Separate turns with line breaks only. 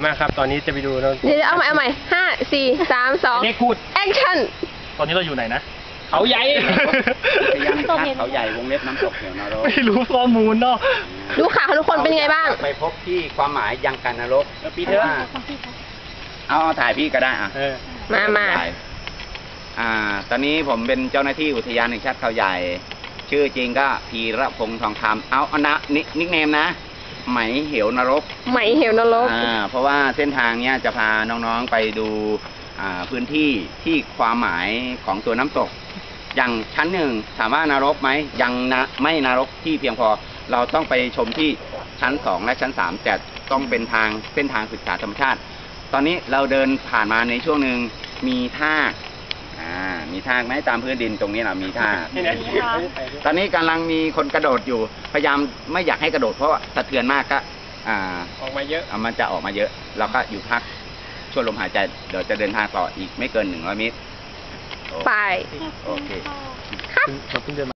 มาครับตอนนี้จะไปดูนะ
เดี๋ยวเอาใหม่5 4 3 2
เลขพูด
แอคชั่น
ตอนนี้เราอยู่ไหนนะ
เขาใหญ่
พยายามชาติเขาใหญ่วงเล็บน้ำตกเหวนรก
ไม่รู้ข้อมูลเนาะ
ดูข่าวทุกคนเป็นไงบ้าง
ไปพบที่ความหมายยังกันนรก
ปีเถอะ
เอาถ่ายพี่ก็ได้อ่ะ
มา
ถ่ายตอนนี้ผมเป็นเจ้าหน้าที่อุทยานแห่งชาติเขาใหญ่ ชื่อจริงก็พีระพงษ์ทองคำเอานะนิกเนมนะไหมเหวนรก
ไหมเหวนรก
เพราะว่าเส้นทางเนี้ยจะพาน้องๆไปดูพื้นที่ที่ความหมายของตัวน้ำตก อย่างชั้นหนึ่งถามว่านรกไหมยังไม่นรกที่เพียงพอเราต้องไปชมที่ชั้น2และชั้น3แต่ต้องเป็นเส้นทางศึกษาธรรมชาติ ตอนนี้เราเดินผ่านมาในช่วงหนึ่งมีทากมีทากไหมตามพื้นดินตรงนี้เรามีทากตอนนี้กำลังมีคนกระโดดอยู่พยายามไม่อยากให้กระโดดเพราะว่าสะเทือนมากก็
ออกมาเยอะ
มันจะออกมาเยอะเราก็อยู่พักช่วยลมหายใจเดี๋ยวจะเดินทางต่ออีกไม่เกิน100 เมตร
ไป
โอเค
เราเพิ่งเดินมา